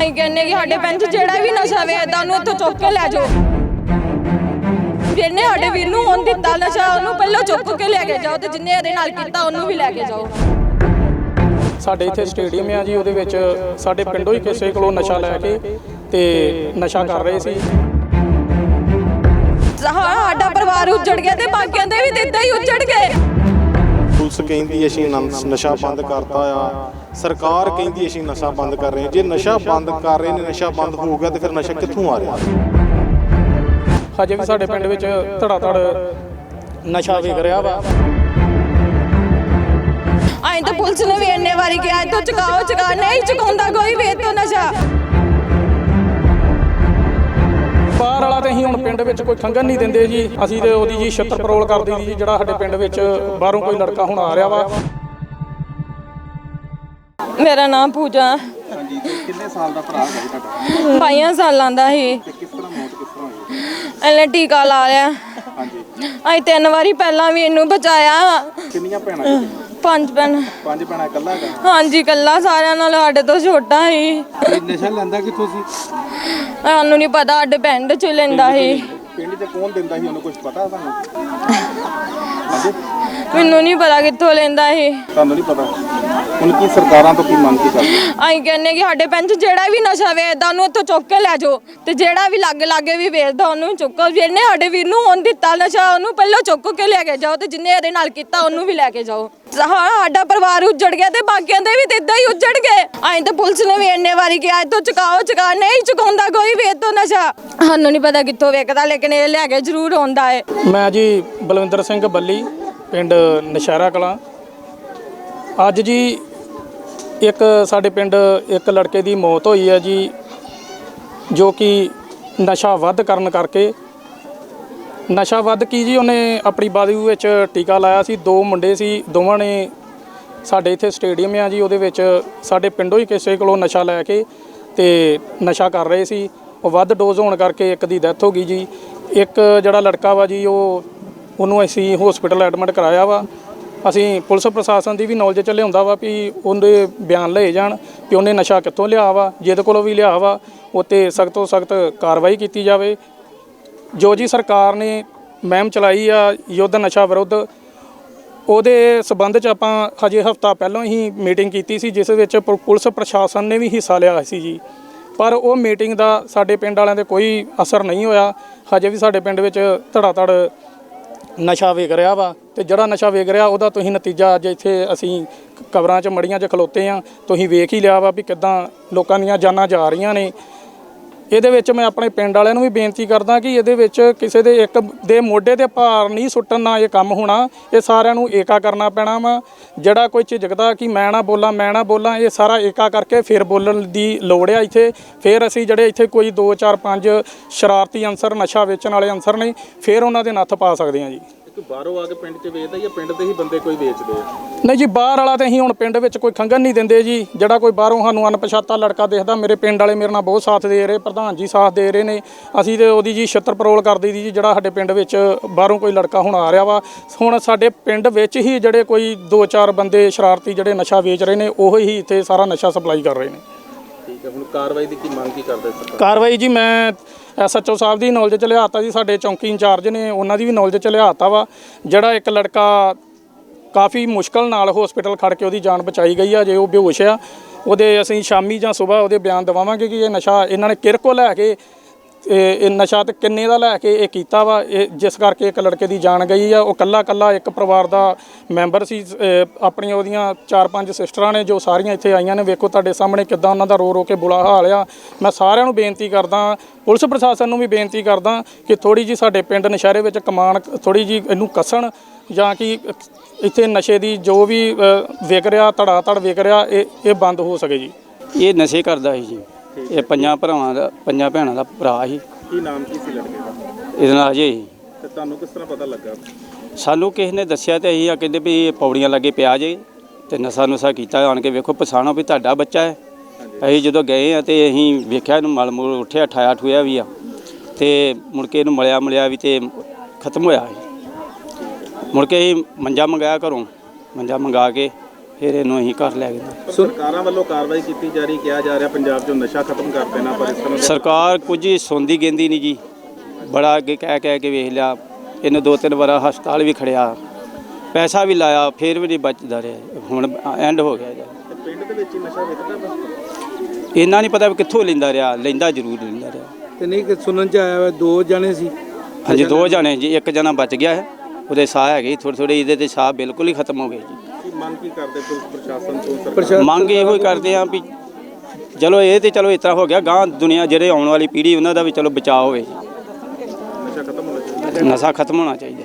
ਅਸੀਂ ਕਹਿੰਦੇ ਕਿ ਸਾਡੇ ਪਿੰਡ 'ਚ ਜਿਹੜਾ ਵੀ ਨਸ਼ਾ ਵੇਚਦਾ ਉਹਨੂੰ ਇੱਥੋਂ ਚੁੱਕ ਕੇ ਲੈ ਜਾਓ। ਜਿਹਨੇ ਸਾਡੇ ਵੀਰ ਨੂੰ ਹੁਣ ਦਿੱਤਾ ਨਸ਼ਾ ਉਹਨੂੰ ਪਹਿਲਾਂ ਚੁੱਕ ਕੇ ਲੈ ਕੇ ਜਾਓ ਤੇ ਜਿੰਨੇ ਇਹਦੇ ਨਾਲ ਕੀਤਾ ਉਹਨੂੰ ਵੀ ਲੈ ਕੇ ਜਾਓ। ਸਾਡੇ ਇੱਥੇ ਸਟੇਡੀਅਮ ਆ ਜੀ, ਉਹਦੇ ਵਿੱਚ ਸਾਡੇ ਪਿੰਡੋਂ ਹੀ ਕਿਸੇ ਕੋਲੋਂ ਨਸ਼ਾ ਲੈ ਕੇ ਤੇ ਨਸ਼ਾ ਕਰ ਰਹੇ ਸੀ। ਸਾਡਾ ਪਰਿਵਾਰ ਉੱਜੜ ਗਿਆ ਤੇ ਬਾਕੀਆਂ ਦੇ ਵੀ ਇੱਦਾਂ ਹੀ ਉੱਜੜ ਗਏ। ਪੁਲਿਸ ਕਹਿੰਦੀ ਅਸੀਂ ਨਸ਼ਾ ਬੰਦ ਕਰਤਾ ਆ, ਸਰਕਾਰ ਕਹਿੰਦੀ ਅਸੀਂ ਨਸ਼ਾ ਬੰਦ ਕਰ ਰਹੇ ਹਾਂ। ਜੇ ਨਸ਼ਾ ਬੰਦ ਕਰ ਰਹੇ ਨੇ, ਨਸ਼ਾ ਬੰਦ ਹੋ ਗਿਆ ਤੇ ਫਿਰ ਨਸ਼ਾ ਕਿੱਥੋਂ ਆ ਰਿਹਾ? ਹਜੇ ਵੀ ਸਾਡੇ ਪਿੰਡ ਵਿੱਚ ਧੜਾ ਧੜ ਨਸ਼ਾ ਵਿਕ ਰਿਹਾ ਵਾ। ਅਸੀਂ ਤਾਂ ਪੁਲਿਸ ਨੂੰ ਵੀ ਇੰਨੇ ਵਾਰੀ ਕਿਹਾ ਇੱਥੋਂ ਚੁਕਾਓ, ਨਹੀਂ ਚੁਕਾਉਂਦਾ ਕੋਈ ਵੀ ਇੱਥੋਂ ਨਸ਼ਾ। ਬਾਹਰ ਵਾਲਾ ਤੇ ਅਸੀਂ ਹੁਣ ਪਿੰਡ ਵਿੱਚ ਕੋਈ ਖੰਗਣ ਨਹੀਂ ਦਿੰਦੇ ਜੀ। ਅਸੀਂ ਤੇ ਉਹਦੀ ਜੀ ਛਿੱਤਰ ਪਰੋਲ ਕਰਦੇ ਜੀ, ਜਿਹੜਾ ਸਾਡੇ ਪਿੰਡ ਵਿੱਚ ਬਾਹਰੋਂ ਕੋਈ ਲੜਕਾ ਹੁਣ ਆ ਰਿਹਾ ਵਾ। ਮੇਰਾ ਨਾਮ ਪੂਜਾ। ਹਾਂਜੀ, ਤੇ ਕਿੰਨੇ ਸਾਲ ਦਾ ਭਰਾ ਹੈ ਤੁਹਾਡਾ? 22 ਸਾਲਾਂ ਦਾ ਸੀ। ਤੇ ਕਿਸ ਤਰ੍ਹਾਂ ਮੌਤ ਕਿਸ ਤਰ੍ਹਾਂ ਹੋਈ? ਇਹਨੇ ਟੀਕਾ ਲਾ ਲਿਆ। ਹਾਂਜੀ, ਅਸੀਂ 3 ਵਾਰੀ ਪਹਿਲਾਂ ਵੀ ਇਹਨੂੰ ਬਚਾਇਆ। ਕਿੰਨੀਆਂ ਭੈਣਾਂ ਜੀ? 5 ਭੈਣਾਂ। 5 ਭੈਣਾਂ ਇਕੱਲਾ ਹੈਗਾ? ਹਾਂਜੀ, ਇਕੱਲਾ, ਸਾਰਿਆਂ ਨਾਲ ਸਾਡੇ ਤੋਂ ਛੋਟਾ ਸੀ। ਨਸ਼ਾ ਲੈਂਦਾ ਕਿੱਥੋਂ ਸੀ? ਸਾਨੂੰ ਨਹੀਂ ਪਤਾ, ਸਾਡੇ ਪਿੰਡ 'ਚ ਲੈਂਦਾ ਸੀ। ਪਿੰਡ 'ਚ ਕੌਣ ਦਿੰਦਾ ਸੀ ਉਹਨੂੰ, ਕੁਝ ਪਤਾ ਤੁਹਾਨੂੰ? ਹਾਂਜੀ, ਮੈਨੂੰ ਨਹੀਂ ਪਤਾ ਕਿੱਥੋਂ ਲੈਂਦਾ ਸੀ। ਤੁਹਾਨੂੰ ਨਹੀਂ ਪਤਾ? ਹੁਣ ਕੀ ਸਰਕਾਰਾਂ ਤੋਂ ਕੀ ਮੰਗ ਕੀ ਕਰਦੇ? ਅਸੀਂ ਕਹਿੰਦੇ ਕਿ ਸਾਡੇ ਪਿੰਡ 'ਚ ਜਿਹੜਾ ਵੀ ਨਸ਼ਾ ਵੇਚਦਾ ਉਹਨੂੰ ਇੱਥੋਂ ਚੁੱਕ ਕੇ ਲੈ ਜਾਓ ਤੇ ਜਿਹੜਾ ਵੀ ਲਾਗੇ ਵੀ ਵੇਚਦਾ ਉਹਨੂੰ ਚੁੱਕੋ। ਜਿਹਨੇ ਸਾਡੇ ਵੀਰ ਨੂੰ ਹੁਣ ਦਿੱਤਾ ਨਸ਼ਾ ਉਹਨੂੰ ਪਹਿਲਾਂ ਚੁੱਕ ਕੇ ਲੈ ਕੇ ਜਾਓ ਤੇ ਜਿੰਨੇ ਇਹਦੇ ਨਾਲ ਕੀਤਾ ਉਹਨੂੰ ਵੀ ਲੈ ਕੇ ਜਾਓ। ਸਾਡਾ ਪਰਿਵਾਰ ਉੱਜੜ ਗਿਆ ਤੇ ਬਾਕੀਆਂ ਦੇ ਵੀ ਇੱਦਾਂ ਹੀ ਉੱਜੜ ਗਏ। ਅਸੀਂ ਤਾਂ ਪੁਲਿਸ ਨੂੰ ਵੀ ਇੰਨੇ ਵਾਰੀ ਕਿਹਾ ਇੱਥੋਂ ਚੁਕਾਓ, ਨਹੀਂ ਚੁਕਾਉਂਦਾ ਕੋਈ ਵੀ ਇੱਥੋਂ ਨਸ਼ਾ। ਸਾਨੂੰ ਨਹੀਂ ਪਤਾ ਕਿੱਥੋਂ ਵੇਚਦਾ, ਲੇਕਿਨ ਇਹ ਲੈ ਕੇ ਜ਼ਰੂਰ ਆਉਂਦਾ ਹੈ। ਮੈਂ ਜੀ ਬਲਵਿੰਦਰ ਸਿੰਘ ਬੱਲੀ, ਪਿੰਡ ਨਸ਼ਹਿਰਾ ਕਲਾਂ। ਅੱਜ ਜੀ ਇੱਕ ਸਾਡੇ ਪਿੰਡ ਇੱਕ ਲੜਕੇ ਦੀ ਮੌਤ ਹੋਈ ਹੈ ਜੀ, ਜੋ ਕਿ ਨਸ਼ਾ ਵੱਧ ਕਰਨ ਕਰਕੇ। ਨਸ਼ਾ ਵੱਧ ਕੀ ਜੀ, ਉਹਨੇ ਆਪਣੀ ਬਾਜੂ ਵਿੱਚ ਟੀਕਾ ਲਾਇਆ ਸੀ। 2 ਮੁੰਡੇ ਸੀ, ਦੋਵਾਂ ਨੇ ਸਾਡੇ ਇੱਥੇ ਸਟੇਡੀਅਮ ਆ ਜੀ, ਉਹਦੇ ਵਿੱਚ ਸਾਡੇ ਪਿੰਡੋਂ ਹੀ ਕਿਸੇ ਕੋਲੋਂ ਨਸ਼ਾ ਲੈ ਕੇ ਤੇ ਨਸ਼ਾ ਕਰ ਰਹੇ ਸੀ। ਉਹ ਵੱਧ ਡੋਜ਼ ਹੋਣ ਕਰਕੇ ਇੱਕ ਦੀ ਡੈਥ ਹੋ ਗਈ ਜੀ। ਇੱਕ ਜਿਹੜਾ ਲੜਕਾ ਵਾ ਜੀ, ਉਹਨੂੰ ਅਸੀਂ ਹਸਪੀਟਲ ਐਡਮਿਟ ਕਰਾਇਆ ਵਾ। ਅਸੀਂ ਪੁਲਿਸ ਪ੍ਰਸ਼ਾਸਨ ਦੀ ਵੀ ਨੌਲੇਜ 'ਚ ਲਿਆਉਂਦਾ ਵਾ ਵੀ ਉਹਦੇ ਬਿਆਨ ਲਏ ਜਾਣ ਕਿ ਉਹਨੇ ਨਸ਼ਾ ਕਿੱਥੋਂ ਲਿਆ ਵਾ। ਜਿਹਦੇ ਕੋਲੋਂ ਵੀ ਲਿਆ ਵਾ ਉਹ 'ਤੇ ਸਖਤ ਤੋਂ ਸਖਤ ਕਾਰਵਾਈ ਕੀਤੀ ਜਾਵੇ। ਜੋ ਜੀ ਸਰਕਾਰ ਨੇ ਮੁਹਿੰਮ ਚਲਾਈ ਆ ਯੁੱਧ ਨਸ਼ਾ ਵਿਰੁੱਧ, ਉਹਦੇ ਸਬੰਧ 'ਚ ਆਪਾਂ ਹਜੇ ਹਫ਼ਤਾ ਪਹਿਲਾਂ ਹੀ ਮੀਟਿੰਗ ਕੀਤੀ ਸੀ, ਜਿਸ ਵਿੱਚ ਪੁਲਿਸ ਪ੍ਰਸ਼ਾਸਨ ਨੇ ਵੀ ਹਿੱਸਾ ਲਿਆ ਸੀ ਜੀ। ਪਰ ਉਹ ਮੀਟਿੰਗ ਦਾ ਸਾਡੇ ਪਿੰਡ ਵਾਲਿਆਂ 'ਤੇ ਕੋਈ ਅਸਰ ਨਹੀਂ ਹੋਇਆ। ਹਜੇ ਵੀ ਸਾਡੇ ਪਿੰਡ ਵਿੱਚ ਧੜਾ ਧੜ ਨਸ਼ਾ ਵੇਚ ਰਿਹਾ ਵਾ ਤੇ ਜਿਹੜਾ ਨਸ਼ਾ ਵੇਚ ਰਿਹਾ ਉਹਦਾ ਤੁਸੀਂ ਨਤੀਜਾ ਅੱਜ ਇੱਥੇ ਅਸੀਂ ਕਬਰਾਂ 'ਚ ਮੜੀਆਂ 'ਚ ਖਲੋਤੇ ਆ, ਤੁਸੀਂ ਵੇਖ ਹੀ ਲਿਆ ਵਾ ਵੀ ਕਿੱਦਾਂ ਲੋਕਾਂ ਦੀਆਂ ਜਾਨਾਂ ਜਾ ਰਹੀਆਂ ਨੇ। ਇਹਦੇ ਵਿੱਚ ਮੈਂ ਆਪਣੇ ਪਿੰਡ ਵਾਲਿਆਂ ਨੂੰ ਵੀ ਬੇਨਤੀ ਕਰਦਾ ਕਿ ਇਹਦੇ ਵਿੱਚ ਕਿਸੇ ਦੇ ਇੱਕ ਦੇ ਮੋਢੇ ਤੇ ਭਾਰ ਨਹੀਂ ਸੁੱਟਣ ਨਾਲ ਇਹ ਕੰਮ ਹੋਣਾ। ਇਹ ਸਾਰਿਆਂ ਨੂੰ ਏਕਾ ਕਰਨਾ ਪੈਣਾ ਵਾ। ਜਿਹੜਾ ਕੋਈ ਝਿਜਕਦਾ ਕਿ ਮੈਂ ਨਾ ਬੋਲਾਂ, ਇਹ ਸਾਰਾ ਏਕਾ ਕਰਕੇ ਫਿਰ ਬੋਲਣ ਦੀ ਲੋੜ ਆ ਇੱਥੇ। ਫਿਰ ਅਸੀਂ ਜਿਹੜੇ ਇੱਥੇ ਕੋਈ 2 4 5 ਸ਼ਰਾਰਤੀ ਅਨਸਰ, ਨਸ਼ਾ ਵੇਚਣ ਵਾਲੇ ਅਨਸਰ ਨੇ, ਫਿਰ ਉਹਨਾਂ ਦੇ ਨੱਥ ਪਾ ਸਕਦੇ ਹਾਂ ਜੀ। ਬਾਹਰੋਂ ਆ ਕੇ ਪਿੰਡ 'ਚ ਵੇਚਦਾ ਜਾਂ ਪਿੰਡ ਦੇ ਹੀ ਬੰਦੇ ਕੋਈ ਵੇਚਦੇ ਆ? ਨਹੀਂ ਜੀ, ਬਾਹਰ ਵਾਲਾ ਤੇ ਅਸੀਂ ਹੁਣ ਪਿੰਡ ਵਿੱਚ ਕੋਈ ਖੰਗਣ ਨਹੀਂ ਦਿੰਦੇ ਜੀ। ਜਿਹੜਾ ਕੋਈ ਬਾਹਰੋਂ ਸਾਨੂੰ ਅਣਪਛਾਤਾ ਲੜਕਾ ਦਿਖਦਾ, ਮੇਰੇ ਪਿੰਡ ਵਾਲੇ ਮੇਰੇ ਨਾਲ ਬਹੁਤ ਸਾਥ ਦੇ ਰਹੇ, ਪ੍ਰਧਾਨ ਜੀ ਸਾਥ ਦੇ ਰਹੇ ਨੇ। ਅਸੀਂ ਤੇ ਉਹਦੀ ਜੀ ਛਿੱਤਰ ਪਰੋਲ ਕਰਦੇ ਦੀ ਜੀ, ਜਿਹੜਾ ਸਾਡੇ ਪਿੰਡ ਵਿੱਚ ਬਾਹਰੋਂ ਕੋਈ ਲੜਕਾ ਹੁਣ ਆ ਰਿਹਾ ਵਾ। ਹੁਣ ਸਾਡੇ ਪਿੰਡ ਵਿੱਚ ਹੀ ਜਿਹੜੇ ਕੋਈ 2 4 ਬੰਦੇ ਸ਼ਰਾਰਤੀ ਜਿਹੜੇ ਨਸ਼ਾ ਵੇਚ ਰਹੇ ਨੇ, ਉਹ ਹੀ ਇੱਥੇ ਸਾਰਾ ਨਸ਼ਾ ਸਪਲਾਈ ਕਰ ਰਹੇ ਨੇ। ਠੀਕ ਹੈ, ਹੁਣ ਕਾਰਵਾਈ ਦੀ ਕੀ ਮੰਗ ਕੀ ਕਰਦੇ ਸਰਕਾਰ? ਕਾਰਵਾਈ ਜੀ ਮੈਂ SHO ਸਾਹਿਬ ਦੀ ਨੌਲੇਜ 'ਚ ਲਿਆਤਾ ਜੀ, ਸਾਡੇ ਚੌਂਕੀ ਇੰਚਾਰਜ ਨੇ ਉਹਨਾਂ ਦੀ ਵੀ ਨੌਲੇਜ 'ਚ ਲਿਆਤਾ ਵਾ। ਜਿਹੜਾ ਇੱਕ ਲੜਕਾ ਕਾਫੀ ਮੁਸ਼ਕਲ ਨਾਲ ਹਸਪੀਟਲ ਖੜ ਕੇ ਉਹਦੀ ਜਾਨ ਬਚਾਈ ਗਈ ਆ, ਜੇ ਉਹ ਬੇਹੋਸ਼ ਆ, ਉਹਦੇ ਅਸੀਂ ਸ਼ਾਮੀ ਜਾਂ ਸਵੇਰ ਉਹਦੇ ਬਿਆਨ ਦਵਾਵਾਂਗੇ ਕਿ ਇਹ ਨਸ਼ਾ ਇਹਨਾਂ ਨੇ ਕਿਰਕੋ ਲੈ ਕੇ ਇਹ ਨਸ਼ਾ ਤੇ ਕਿੰਨੇ ਦਾ ਲੈ ਕੇ ਇਹ ਕੀਤਾ ਵਾ, ਇਹ ਜਿਸ ਕਰਕੇ ਇੱਕ ਲੜਕੇ ਦੀ ਜਾਨ ਗਈ ਆ। ਉਹ ਕੱਲਾ ਇੱਕ ਪਰਿਵਾਰ ਦਾ ਮੈਂਬਰ ਸੀ। ਆਪਣੀਆਂ ਉਹਦੀਆਂ 4 5 ਸਿਸਟਰਾਂ ਨੇ ਜੋ ਸਾਰੀਆਂ ਇੱਥੇ ਆਈਆਂ ਨੇ। ਵੇਖੋ ਤੁਹਾਡੇ ਸਾਹਮਣੇ ਕਿੱਦਾਂ ਉਹਨਾਂ ਦਾ ਰੋ ਕੇ ਬੁਰਾ ਹਾਲ ਆ। ਮੈਂ ਸਾਰਿਆਂ ਨੂੰ ਬੇਨਤੀ ਕਰਦਾ, ਪੁਲਿਸ ਪ੍ਰਸ਼ਾਸਨ ਨੂੰ ਵੀ ਬੇਨਤੀ ਕਰਦਾ ਕਿ ਥੋੜ੍ਹੀ ਜੀ ਸਾਡੇ ਪਿੰਡ ਨਸ਼ਹਿਰੇ ਵਿੱਚ ਕਮਾਨ ਥੋੜ੍ਹੀ ਜੀ ਇਹਨੂੰ ਕੱਸਣ, ਜਾਂ ਕਿ ਇੱਥੇ ਨਸ਼ੇ ਦੀ ਜੋ ਵੀ ਵਿਕ ਰਿਹਾ, ਧੜਾ ਧੜ ਵਿਕ ਰਿਹਾ, ਇਹ ਬੰਦ ਹੋ ਸਕੇ ਜੀ। ਇਹ ਨਸ਼ੇ ਕਰਦਾ ਸੀ ਜੀ। ਇਹ 5 ਭੈਣਾਂ ਦਾ ਭਰਾ ਸੀ। ਕੀ ਨਾਮ ਕੀ ਸੀ ਲੜਕੇ ਦਾ? ਇਹਦੇ ਨਾਲ ਅਜੇ ਸੀ। ਤੇ ਤੁਹਾਨੂੰ ਕਿਸ ਤਰ੍ਹਾਂ ਪਤਾ ਲੱਗਾ? ਸਾਨੂੰ ਕਿਸੇ ਨੇ ਦੱਸਿਆ ਤੇ ਅਸੀਂ ਕਹਿੰਦੇ ਵੀ ਇਹ ਪੌੜੀਆਂ ਲੱਗੇ ਪਿਆ ਜੇ ਤੇ ਨਸ਼ਾ ਕੀਤਾ। ਆਣ ਕੇ ਵੇਖੋ ਪਛਾਣੋ ਵੀ ਤੁਹਾਡਾ ਬੱਚਾ ਹੈ। ਅਸੀਂ ਜਦੋਂ ਗਏ ਆ ਤੇ ਅਸੀਂ ਵੇਖਿਆ ਇਹਨੂੰ ਮਲ ਮੂਲ ਉੱਠਿਆ, ਠਾਇਆ ਵੀ ਆ ਤੇ ਮੁੜ ਕੇ ਇਹਨੂੰ ਮਲਿਆ ਵੀ ਤੇ ਖਤਮ ਹੋਇਆ। ਮੁੜ ਕੇ ਅਸੀਂ ਮੰਜਾ ਮੰਗਾਇਆ ਘਰੋਂ, ਮੰਜਾ ਮੰਗਾ ਕੇ ਫਿਰ ਇਹਨੂੰ ਅਸੀਂ ਘਰ ਲੈ ਗਏ। ਸਰਕਾਰਾਂ ਵੱਲੋਂ ਕਾਰਵਾਈ ਕੀਤੀ ਜਾ ਰਹੀ, ਕਿਹਾ ਜਾ ਰਿਹਾ ਪੰਜਾਬ 'ਚੋਂ ਨਸ਼ਾ ਖਤਮ ਕਰ ਦੇਣਾ, ਪਰ ਇਸ ਤਰ੍ਹਾਂ ਦੇ ਸਰਕਾਰ ਕੁਝ ਸੁਣਦੀ ਗਿੰਦੀ ਨਹੀਂ ਜੀ। ਬੜਾ ਅੱਗੇ ਕਹਿ ਕੇ ਵੇਖ ਲਿਆ, ਇਹਨੂੰ 2-3 ਵਾਰ ਹਸਪਤਾਲ ਵੀ ਖੜਿਆ, ਪੈਸਾ ਵੀ ਲਾਇਆ, ਫਿਰ ਵੀ ਨਹੀਂ ਬਚਦਾ ਰਿਹਾ। ਹੁਣ ਐਂਡ ਹੋ ਗਿਆ ਜੀ। ਤੇ ਪਿੰਡ ਦੇ ਵਿੱਚ ਹੀ ਨਸ਼ਾ ਵਿਕਦਾ ਬਸ। ਇੰਨਾ ਨਹੀਂ ਪਤਾ ਵੀ ਕਿੱਥੋਂ ਲੈਂਦਾ ਰਿਹਾ, ਲੈਂਦਾ ਜ਼ਰੂਰ ਲੈਂਦਾ ਰਿਹਾ। ਤੇ ਨਹੀਂ ਕਿ ਸੁਣਨ ਚ ਆਇਆ ਵਾ 2 ਜਣੇ ਸੀ। ਹਾਂਜੀ 2 ਜਣੇ ਜੀ, 1 ਜਣਾ ਬਚ ਗਿਆ ਹੈ, ਉਹਦੇ ਸਾਹ ਹੈਗੇ ਥੋੜ੍ਹੇ, ਇਹਦੇ ਤੇ ਸਾਹ ਬਿਲਕੁਲ ਹੀ ਖਤਮ ਹੋ ਗਏ ਜੀ। ਕੀ ਮੰਗ ਕੀ ਕਰਦੇ ਪੁਲਿਸ ਪ੍ਰਸ਼ਾਸਨ ਤੋਂ, ਸਰਕਾਰ? ਮੰਗ ਇਹੋ ਹੀ ਕਰਦੇ ਆ ਵੀ ਚਲੋ ਇਹ ਤੇ ਚਲੋ ਇਸ ਤਰ੍ਹਾਂ ਹੋ ਗਿਆ, ਗਾਂ ਦੁਨੀਆ ਜਿਹੜੇ ਆਉਣ ਵਾਲੀ ਪੀੜ੍ਹੀ ਉਹਨਾਂ ਦਾ ਵੀ ਚਲੋ ਬਚਾਅ ਹੋਵੇ ਜੀ। ਨਸ਼ਾ ਖਤਮ ਹੋਣਾ ਚਾਹੀਦਾ। ਨਸ਼ਾ ਖਤਮ ਹੋਣਾ ਚਾਹੀਦਾ।